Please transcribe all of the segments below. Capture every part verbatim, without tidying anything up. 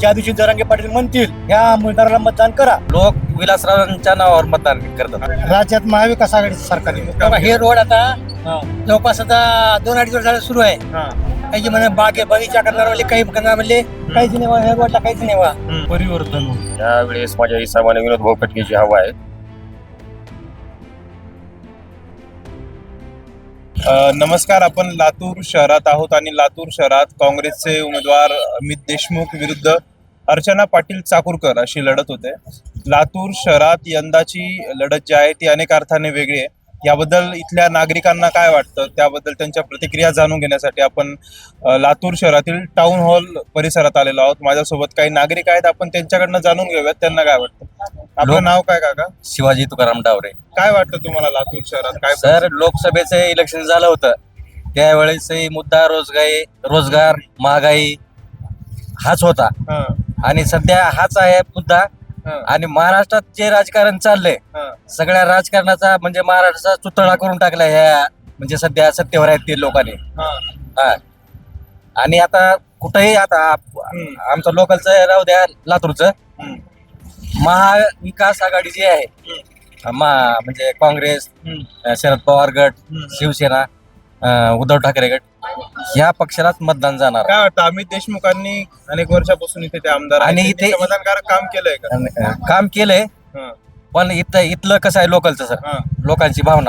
ज्या दिवशी जरांगे पाटील म्हणतील ह्या आमदाराला मतदान करा. लोक विलासरावांच्या नावावर मतदान करतात. राज्यात महाविकास आघाडी सरकार आहे. हे रोड आता जवळपास आता दोन अडीच वर्ष झालं सुरू आहे. काही म्हणे बागे बगीचा करणार म्हणजे काही करणार म्हणजे काहीच नाही. ह्या रोडला काहीच नाही वा परिवर्तन. त्यावेळेस माझ्या हिसाबाने विनोद भाऊ खटकेची हवा आहे. अ, नमस्कार. आपण लातूर शहरात आहोत आणि लातूर शहरात काँग्रेसचे उमेदवार अमित देशमुख विरुद्ध अर्चना पाटील चाकूरकर अशी लढत होते. लातूर शहरात यंदाची लढत जी आहे ती अनेक अर्थाने वेगळी आहे. याबद्दल इथल्या नागरिकांना काय वाटतं त्याबद्दल त्यांच्या प्रतिक्रिया जाणून घेण्यासाठी आपण अ, लातूर शहरातील टाउन हॉल परिसरात आलेलो आहोत. माझ्यासोबत काही नागरिक आहेत. आपण त्यांच्याकडनं जाणून घेऊयात त्यांना काय वाटतं. आपलं नाव काय काका? शिवाजी तुकाराम डावरे. काय वाटतं तुम्हाला लातूर शहरात काय? सर, लोकसभेचं इलेक्शन झालं होतं त्यावेळेसही मुद्दा रोजगाई रोजगार महागाई हाच होता हा, आणि सध्या हाच आहे मुद्दा. हा, आणि महाराष्ट्रात जे राजकारण चाललंय हा. सगळ्या राजकारणाचा म्हणजे महाराष्ट्राचा चुतळा करून टाकला ह्या म्हणजे सध्या सत्तेवर आहेत ते लोकांनी. हा. हा. आणि आता कुठेही आता आप- हम्म. आमचं लोकलचं राहू द्या लातूरचं हम्म. महाविकास आघाडी जी आहे मा म्हणजे काँग्रेस, हम्म. शरद पवार गट, हम्म. शिवसेना, अं, उद्धव ठाकरे गट ह्या पक्षालाच मतदान जाणार. काय वाटतं अमित देशमुखांनी अनेक वर्षापासून इथे ते आमदार आहेत. आणि त्यांनी इथे- समाधानकारक काम केलंय का? आणि, अं, काम केलंय. हा, पण इथं इथलं कसं आहे लोकलचं सर, हा. लोकांची भावना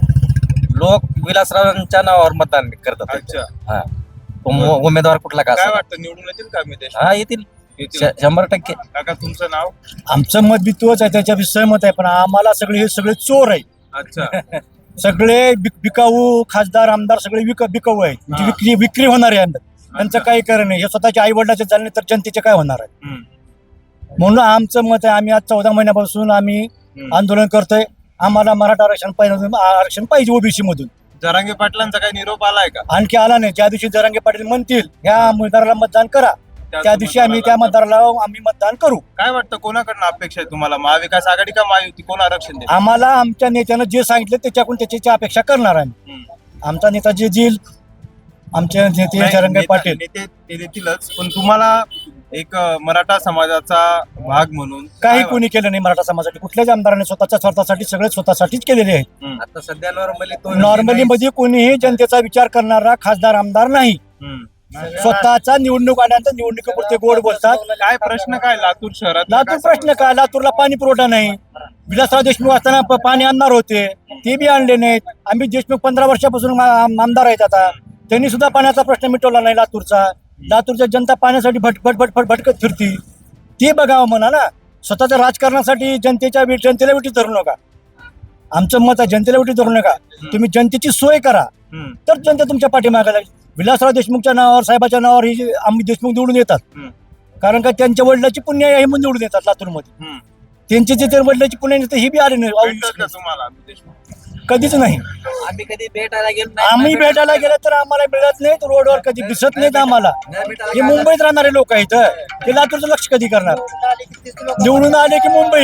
लोक विलासरावांच्या नावावर मतदान करतात. अच्छा. हा. तो मु- उमेदवार कुठला का काय असेना. वाटतं निवडून येतील का अमित देशमुख? हा येतील येतील. श- शंभर टक्के. काका तुमचं नाव? आमचं मत बी तोच आहे, त्याच्या सहमत आहे. पण आम्हाला सगळे हे सगळे चोर आहे. अच्छा. सगळे बिक- बिकाऊ खासदार आमदार सगळे विक बिकाऊ आहेत. म्हणजे हा. विक्री विक्री होणार आहे. त्यांचं अच्छा. काही कारण नाही. हे स्वतःच्या आई वडिलाचे चालणे तर जनतेचे काय होणार आहे. हम्म. म्हणून आमचं मत आहे, आम्ही आज चौदा महिन्यापासून आम्ही हम्म. आंदोलन करतोय. आम्हाला मराठा आरक्षण पाहिजे, आरक्षण पाहिजे ओबीसी मधून. जरांगे पाटलांचा काही निरोप आलाय का? आणखी आला नाही. ज्या दिवशी जरांगे पाटील म्हणतील ह्या आमदाराला मतदान करा, त्या दिवशी आम्ही त्या मतदाराला आम्ही मतदान करू. काय वाटतं कोणाकडनं अपेक्षा आहे तुम्हाला? महाविकास आघाडी का महायुती? कोण आरक्षण देईल? आम्हाला आमच्या नेत्यानं जे सांगितलं त्याच्याकडून त्याची अपेक्षा करणार आम्ही. हम्म. आमचा नेता जे देईल, आमचे नेते नाही, जरांगे नेता- पाटील. नेते ते देतीलच, पण तुम्हाला एक अ, मराठा समाजाचा भाग म्हणून काही काय कोणी केलं नाही मराठा समाजासाठी. कुठल्याच आमदाराने स्वतःच्या स्वार्थासाठी सगळे स्वतःसाठीच केलेले आहेत. वाटतं? हम्म. आता सध्या नॉर्मली तो नॉर्मली मध्ये कोणीही जनतेचा विचार करणारा खासदार आमदार नाही. हम्म. स्वतःचा निवडणूक आल्यानंतर निवडणुकीपुरते गोड बोलतात. काय प्रश्न काय लातूर शहरात? लातूर प्रश्न काय? लातूरला पाणी पुरवठा नाही. विलासराव देशमुख असताना प- पाणी आणणार होते, ते बी आणले नाहीत. आम्ही देशमुख पंधरा वर्षापासून आम- आमदार आहेत. आता त्यांनी सुद्धा पाण्याचा प्रश्न मिटवला नाही लातूरचा. लातूरच्या जनता पाण्यासाठी भट भट भट भट भटकत फिरती. ते बघावं म्हणा ना. स्वतःच्या राजकारणासाठी जनतेच्या वे- जनतेला वेटी धरू नका. आमचं मत आहे, जनतेला वेटी धरू नका. तुम्ही जनतेची सोय करा, हम्म. तर जनता तुमच्या पाठीमागे लागेल. विलासराव देशमुखच्या नावावर, साहेबाच्या नावावर ही आम्ही देशमुख निवडून येतात. हम्म. कारण का त्यांच्या वडिलाची पुण्य आहे, हे म्हणून निवडून येतात लातूरमध्ये. हम्म. त्यांचे जे ते वडिलाची पुण्य नसते ही बी आले भेटतात का नाही. तुम्हाला अमित देशमुख? कधीच नाही. आम्ही कधी भेटायला गेलो आम्ही भेटायला गेलं तर आम्हाला मिळत नाही. रोडवर कधी दिसत नाहीत आम्हाला. हे मुंबईत राहणारे लोक आहेत, ते लातूरचं लक्ष कधी करणार? निवडून आले की मुंबई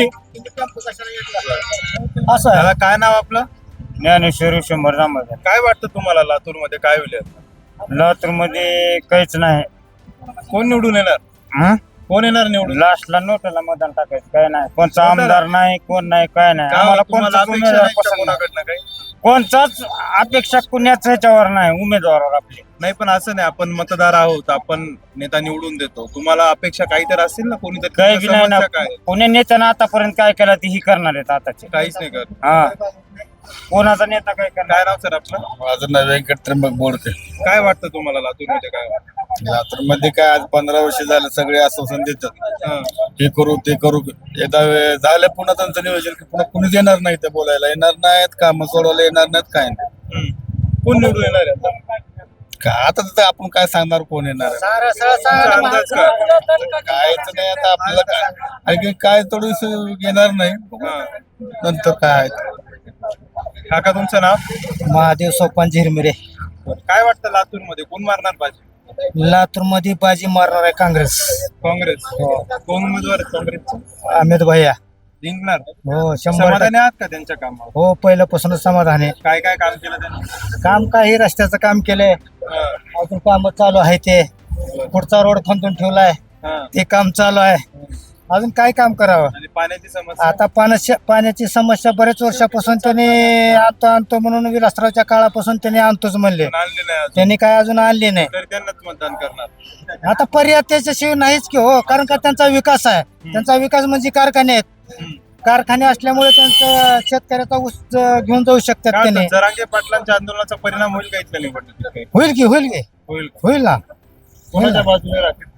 असं आहे. दादा काय नाव आपलं? ज्ञानेश्वरी शंभर नांबर. काय वाटतं तुम्हाला लातूर मध्ये काय होईल आता? लातूर मध्ये काहीच नाही. कोण निवडून येणार? हं? कोण येणार निवडून? लास्टला नोटाला मतदान टाकायचं काय नाही. कोणचा नोटाला? आमदार नाही, कोण नाही, काय नाही. का आम्हाला तुम्हाला कोणताच अपेक्षा उमेदवार नाही का पसंत नाही. कोणाकडनं काही? कोणताच अपेक्षा कुण्याच ह्याच्यावर नाही उमेदवारावर आपली. नाही, पण असं नाही, आपण मतदार आहोत, आपण नेता निवडून देतो. तुम्हाला अपेक्षा काहीतरी असेल ना? कोणीतरी काही बी नाही ना. समस्या काय? कोणी नेत्यानं आतापर्यंत काय केलं ते ही करणार आहेत आताचे. काहीच नाही करत. हा. कोणाचा नेता काय करणार? काय नाव सर आपलं? माझं नाव व्यंकट त्र्यंबक बोडके. काय वाटतं तुम्हाला लातूर मध्ये काय वाटतं? लातूर मध्ये काय आज पंधरा वर्ष झालं सगळे आश्वासन देतात, हं. हे करू ते करू. एकदा वे- झालं पुन्हा त्यांचं नियोजन की पुन्हा कुणीच येणार नाही, ते बोलायला येणार नाहीत, काम सोडवायला येणार नाहीत, काय नाही. हं. कोण निवडून येणार आहे आता? का आता तर आपण काय सांगणार कोण येणार आहे? तुमचा अंदाज काय? कायच नाही आता आपल्याला काय आणखी काय थोडस येणार नाही. हं. नंतर काय आहे. काका तुमचं नाव? महादेव सोपान झिरमिरे. काय वाटतं लातूर मध्ये कोण मारणार बाजी? लातूर मध्ये बाजी मारणार आहे काँग्रेस. काँग्रेस. कोण उमेदवार आहेत काँग्रेसचे? अमित भैया. जिंकणार? हो शंभर समाधानी आहात का त्यांच्या कामावर? हो पहिल्यापासूनच समाधान आहे. काय काय काम केलं त्यांनी? काम काही रस्त्याचं काम केलंय, हं. अजून काम चालू आहे. ते पुढचा रोड खंदून ठेवलाय. हा. ते काम चालू आहे. अजून काय काम करावं. आणि पाण्याची समस्या आता पाण्याची पाण्याची समस्या बरेच वर्षापासून त्याने आणतो आणतो म्हणून विलासरावच्या काळापासून त्याने आणतोच म्हणले. पण आणली नाही अजून. त्यांनी काय अजून आणले नाही. तर त्यांनाच मतदान करणार. आता पर्याय त्याच्याशिवाय नाहीच की हो, कारण का त्यांचा विकास आहे. त्यांचा विकास म्हणजे कारखाने आहेत. हम्म. कारखाने असल्यामुळे त्यांचं शेतकऱ्याचा ऊस ज- घेऊन जाऊ शकतात काय त्याने. वाटतं, जरांगे पाटलांच्या आंदोलनाचा परिणाम होईल का इथल्या निवडणुकीत काही? होईल की होईल की होईल. होईल ना. कोणाच्या बाजूने राहतील?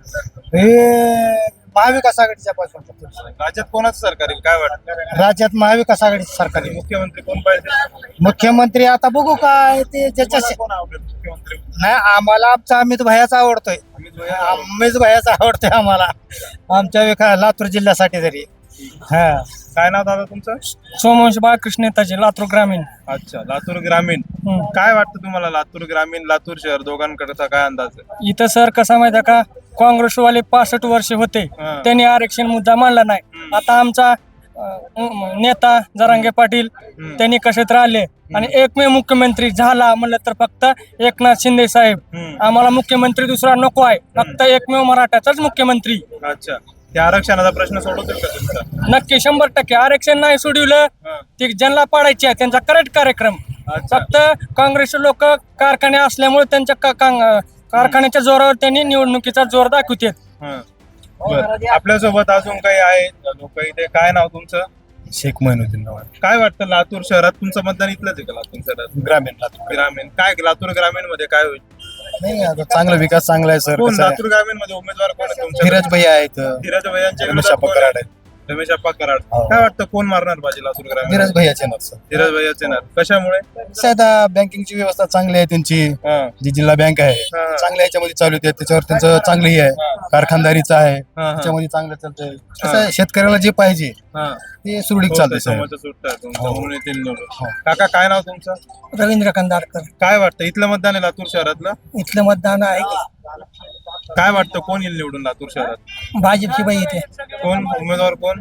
हे महाविकास आघाडीच्या पासून राज्यात कोणाचं सरकार येईल काय वाटतं? राज्यात महाविकास आघाडीचं सरकार आणि आहे. मुख्यमंत्री कोण पाहिजे? मुख्यमंत्री आता बघू काय ते ज्याच्या कोण आवडेल मुख्यमंत्री? नाही, आम्हाला आमचा अमित भैयाचा आवडतोय. अमित भैया. अमित भैयाचा आवडतोय आम्हाला, आमच्या विका लातूर जिल्ह्यासाठी तरी. हा, काय नाव दादा तुमचं? सोमवंश बाळकृष्ण नेताजी, लातूर ग्रामीण. अच्छा, लातूर ग्रामीण. हम्म. काय वाटतं तुम्हाला लातूर ग्रामीण लातूर शहर दोघांकडचा काय अंदाज आहे? इथं सर कसा माहिती का, काँग्रेसवाले पासष्ट वर्ष होते, हा. त्यांनी आरक्षण मुद्दा मांडला नाही. हम्म. आता आमचा अं, नेता जरांगे पाटील हम्म. त्यांनी कशात राहिले आणि एकमेव मुख्यमंत्री झाला म्हणलं तर फक्त एकनाथ शिंदे साहेब. हम्म. आम्हाला मुख्यमंत्री दुसरा नको आहे, फक्त एकमेव मराठाचाच मुख्यमंत्री. अच्छा, त्या आरक्षणाचा प्रश्न सोडवतील का तुमचा? नक्की शंभर टक्के. आरक्षण नाही सोडवलं हा. ते ज्यांना पाडायचे आहे त्यांचा करेक्ट कार्यक्रम. अच्छा. फक्त काँग्रेसचे लोक कारखाने असल्यामुळे त्यांच्या का- का- कारखान्याच्या जोरावर त्यांनी निवडणुकीचा जोर दाखवतात. हा. बरं. आपल्यासोबत अजून काही आहेत लोक इथे. काय नाव तुमचं? शेख महिनुद्दीन नाव आहे. काय वाटतं लातूर शहरात तुमचं मतदान इथलंच आहे का? लातूर शहरात ग्रामीण लातूर. ग्रामीण काय लातूर ग्रामीण मध्ये काय होईल? नाही आता चांगला विकास चांगला आहे सर. कोण कसं आहे, लातूर ग्रामीण मध्ये उमेदवार कोण आहे तुमच्या? धीरज भैया आहेत, धीरज भैयांच्या रमेश विरोधात अप्पा कोण आहे? कराड आहेत. रमेश अप्पा कराड. हो. काय वाटतं कोण मारणार बाजी लातूर ग्रामीण? धीरज भैयाचे नाव सर. धीरज भैयाच येणार. कशामुळे? कसं आहे आता बँकिंगची व्यवस्था चांगली आहे त्यांची, हा. जी जिल्हा बँक आहे हा. चांगल्या याच्यामध्ये चालू आहे, त्याच्यावर त्यांचं चांगली आहे. कारखानदारीचं आहे हा, हा. त्याच्यामध्ये चांगलं चालतंय. कसं आहे, शेतकऱ्याला जे पाहिजे हा. ते सुरळीत हो, चालतंय सर. त्याच्यामुळे सुटतं तुमचं हो. म्हणून येतील निवडून. हो. काका काय नाव तुमचं? रवींद्र कंदारकर. काय वाटतं इथलं मतदान आहे लातूर शहरातलं? इथलं मतदान आहे की काय वाटतं कोण येईल निवडून लातूर शहरात? भाजपची बाई येते, कोण उमेदवार कोण?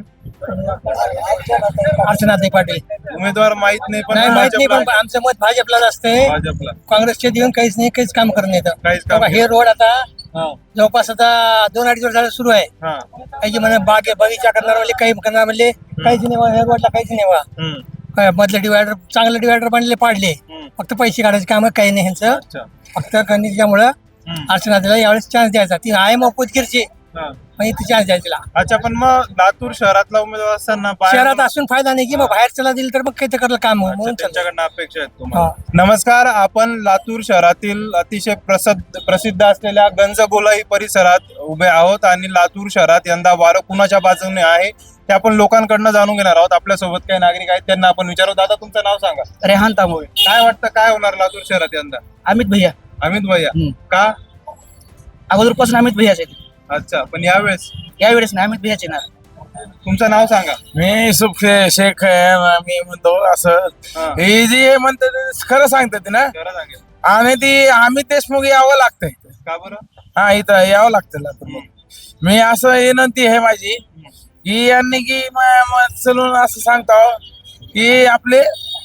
अर्चनाताई पाटील. उमेदवार माहित नाही पण नाही माहित नाही, पण भाजपला- आमचं मत भाजपलाच असते. भाजपला काँग्रेसचे देऊन काहीच नाही, काहीच काम करत नाही. काहीच काम बघा, हे रोड आता हा. जवळपास आता दोन अडीच वर्ष झालं सुरू आहे. हा. काही म्हणे बागे बगीचा करणार म्हणले, काही करणार म्हणले, काहीच नाही वा, हे रोडला काहीच नाही वा. हम्म. काय मधले डिवायडर चांगले डिवायडर बनले पाडले, हम्म. फक्त पैसे काढायचे काम काही नाही ह्यांचं. अच्छा. फक्त त्यामुळं हम्म. अर्चनाताईला यावेळेस चान्स द्यायचा. ती आहे मग पोतकीरची, हा. पण इथे चान्स द्यायचा तिला. अच्छा, पण मग लातूर शहरातला उमेदवार असताना बाहेर- शहरात असून फायदा नाही की मग बाहेर चला दिलं तर मग काही ते करलं काम अच्छा, म्हणून चालतं. त्यांच्याकडनं अपेक्षा आहेत तुम्हाला. नमस्कार, आपण लातूर शहरातील अतिशय प्रसिद्ध प्रसिद्ध असलेल्या गंजगोलाई परिसरात उभे आहोत आणि लातूर शहरात यंदा वारं कुणाच्या बाजूने आहे ते आपण लोकांकडनं जाणून घेणार आहोत. आपल्यासोबत काही नागरिक आहेत, त्यांना आपण विचारू. दादा तुमचं नाव सांगा. रेहान तांबोळे. काय वाटतं काय होणार लातूर शहरात यंदा? अमित भैया. अमित भैया. हम्म. का? अगोदरपासून अमित भैयाचे, अच्छा, पण यावेळेस यावेळेस नाही अमित भैयाचे ना. तुमचं नाव सांगा. मी सुख शेख आहे. मी म्हणतो असं हा. हे जे म्हणतात ते खरं सांगतात ना, खरं सांगेल. आणि ती अमित देशमुख यावं लागतंय. का बरं? हा, इथं यावं लागतं लातूर. मी असं विनंती आहे माझी की यांनी की म- म- चलून असं सांगतो की आपले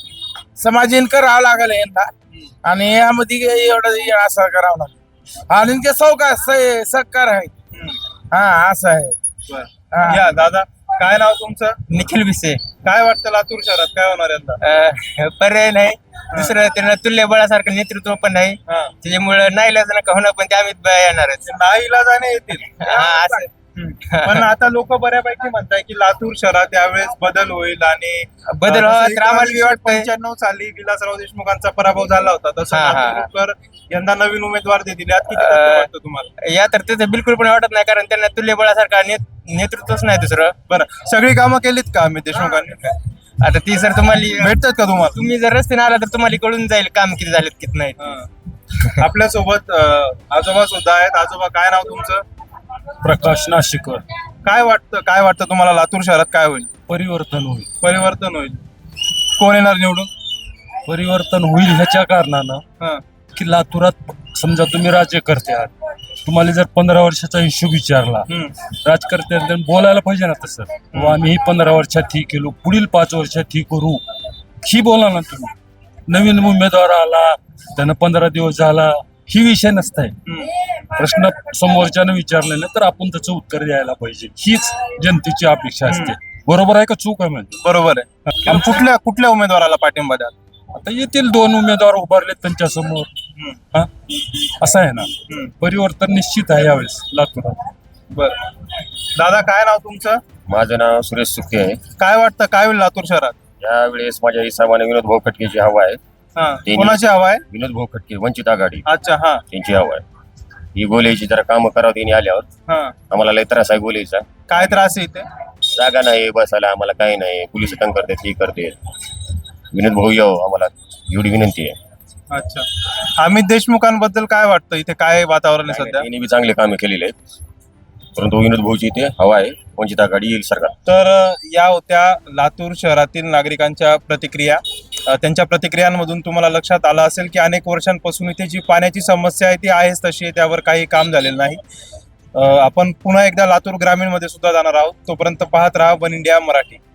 समाजीन करावं लागेल यांना, आणि यामध्ये काही एवढं हे असं करावं लागेल. आणि ते सौकार सत्कार आहे. हम्म. हा, असं आहे. बरं. हा. या दादा, काय नाव तुमचं? निखिल विसे. काय वाटतं लातूर शहरात काय होणार यंदा? पर्याय नाही दुसरं, त्यांना तुल्यबळासारखं नेतृत्व पण नाही, हा. त्याच्यामुळे नाही लजन का होणार, पण ते अमित भैया येणारच. नाईला जाणे येतील. हा, असं. पण आता लोक बऱ्यापैकी म्हणताय की लातूर शहरात यावेळेस बदल होईल आणि बदल व्हावा तर आम्हाला बी वाटतंय. पंच्याण्णव साली विलासराव देशमुखांचा पराभव झाला होता, तसं हा, हा. लातूरकर यंदा नवीन उमेदवार देतील. यात किती तथ्य अं, वाटतं तुम्हाला? या तर त्याचं बिलकुल पण वाटत नाही, कारण त्यांना तुल्यबळासारखा नेत- नेतृत्वच नाही दुसरं. बरं, सगळी कामं केलीत का अमित देशमुखांनी? आता ती सर तुम्हाला भेटतात का तुम्हाला? तुम्ही जर रस्त्याने आला तर तुम्हाला कळून जाईल काम किती झालेत किती नाही. हा. आपल्यासोबत अं, आजोबा सुद्धा आहेत. आजोबा काय नाव तुमचं? प्रकाश नाशिकर. काय वाटतं काय वाटतं तुम्हाला लातूर शहरात काय होईल? परिवर्तन होईल. परिवर्तन होईल. कोण येणार निवडून? परिवर्तन होईल ह्याच्या कारणानं हा. की लातूरात समजा तुम्ही राज्यकर्ते आहात, तुम्हाला जर पंधरा वर्षाचा हिशोब विचारला, हम्म. राजकर्त्यांनी बोलायला पाहिजे ना तसं. व आम्ही ही पंधरा वर्षात ही केलो, पुढील पाच वर्षात ही करू, ही बोला ना तुम्ही. नवीन उमेदवार आला, त्यानं पंधरा दिवस झाला, ही विषय नसताय. हम्म. प्रश्न समोरच्यानं विचारले नाही तर आपण त्याचं उत्तर द्यायला पाहिजे, हीच जनतेची अपेक्षा असते. बरोबर आहे का चूक आहे म्हणजे? बरोबर आहे. आणि कुठल्या कुठल्या उमेदवाराला पाठिंबा द्याल? आता येथील दोन उमेदवार उभारलेत त्यांच्या समोर, हा असं आहे ना. परिवर्तन निश्चित आहे यावेळेस लातूरात. बर दादा, काय नाव तुमचं? माझं नाव सुरेश सुखे आहे. काय वाटतं काय होईल लातूर शहरात? यावेळेस माझ्या हिसाबाने विनोद भाऊ खटकेची हवा आहे. हा, ते- कोणाची हवा आहे? विनोद भाऊ खटके, वंचित आघाडी, अच्छा, हा त्यांची हवा आहे. ही गोलेची जरा कामं करावं त्यांनी आल्यावर. हा. आम्हाला लय त्रास आहे गोलेचा. काय त्रास आहे इथे? जागा नाही बसायला, आम्हाला काही नाही. पोलीस तंग करतात, हे करते. विनोद भाऊ येऊ आम्हाला, एवढी विनंती आहे. अच्छा, अमित देशमुखांबद्दल काय वाटतं? इथे काय वातावरण आहे सध्या? त्यांनी बी चांगले कामे केलेले आहेत, परंतु विनोद भाऊची इथे हवा आहे. वंचित आघाडी येईल सरकार. तर अ, या होत्या लातूर शहरातील नागरिकांच्या प्रतिक्रिया. अ, त्यांच्या प्रतिक्रियांमधून तुम्हाला लक्षात आलं असेल की अनेक वर्षांपासून इथे जी पाण्याची समस्या आहे ती आहेच तशी आहे, त्यावर काही काम झालेलं नाही. अ, आपण पुन्हा एकदा लातूर ग्रामीणमध्ये सुद्धा जाणार आहोत. तोपर्यंत पाहत राहा वन इंडिया मराठी.